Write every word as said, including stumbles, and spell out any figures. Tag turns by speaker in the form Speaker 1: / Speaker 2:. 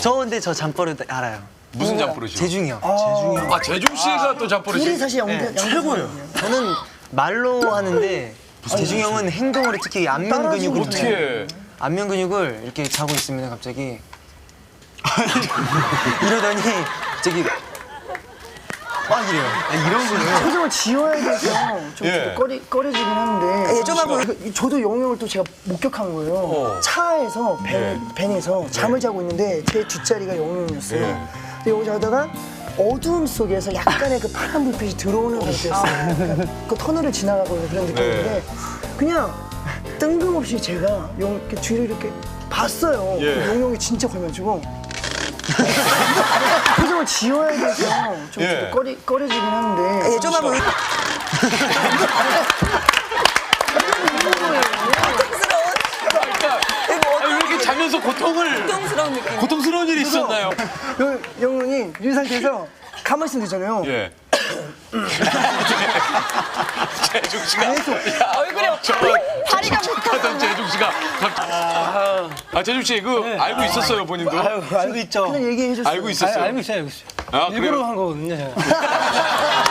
Speaker 1: 저 근데 저 잠버릇 알아요.
Speaker 2: 무슨 잠버릇이요?
Speaker 1: 재중이 형.
Speaker 3: 재중이 형.
Speaker 2: 아 재중 씨가 또 잠버릇이.
Speaker 4: 둘이 사실 연기
Speaker 1: 네,
Speaker 4: 최고예요.
Speaker 1: 저는 말로 하는데 재중이 형은 행동으로 특히 안면 근육을
Speaker 2: 어떻게 해?
Speaker 1: 안면 근육을 이렇게 자고 있으면 갑자기 이러더니 저기 막 이래요. 이런 거를.
Speaker 4: 표정을 지어야 돼서 좀
Speaker 2: 예.
Speaker 4: 저도 꺼리, 꺼려지긴 하는데
Speaker 1: 예, 좀 하고.
Speaker 4: 그, 저도 영웅 형을 또 제가 목격한 거예요.
Speaker 2: 어.
Speaker 4: 차에서 밴,
Speaker 2: 예.
Speaker 4: 밴에서 잠을 자고 있는데 제 뒷자리가 영웅 형이었어요.
Speaker 2: 예.
Speaker 4: 근데 여기 자다가 어두움 속에서 약간의 그 파란 불빛이 들어오는 상태였어요. 그러니까 그 터널을 지나가고 있는 그런 느낌인데 그냥 뜬금없이 제가 용 이렇게 뒤를 이렇게 봤어요.
Speaker 2: 예.
Speaker 4: 영웅 형이 진짜 걸려가지고 표정을 지어야 돼서 좀
Speaker 2: 예.
Speaker 4: 저도 꺼리, 꺼려지긴 하는데
Speaker 1: 예, 좀 하고.
Speaker 2: 그러니까 아니, 왜 이렇게 자면서 고통을
Speaker 5: 고통스러운 느낌.
Speaker 2: 고통스러운 일이 있었나요?
Speaker 4: 영- 영웅이 이 상태에서 가만히 있으면 되잖아요.
Speaker 2: 예. 재중 씨가
Speaker 5: 얼굴에 다리가
Speaker 2: 하던 재중 씨가 갑자기 아, 아 재중 씨 그 알고 있었어요 본인도?
Speaker 3: 아유, 알고 있죠.
Speaker 4: 그냥 얘기해 줬어요.
Speaker 2: 알고 있었어요.
Speaker 3: 알, 알고 있어요, 알고 있어요.
Speaker 2: 아,
Speaker 3: 일부러
Speaker 2: 그래요?
Speaker 3: 한 거거든요, 제가.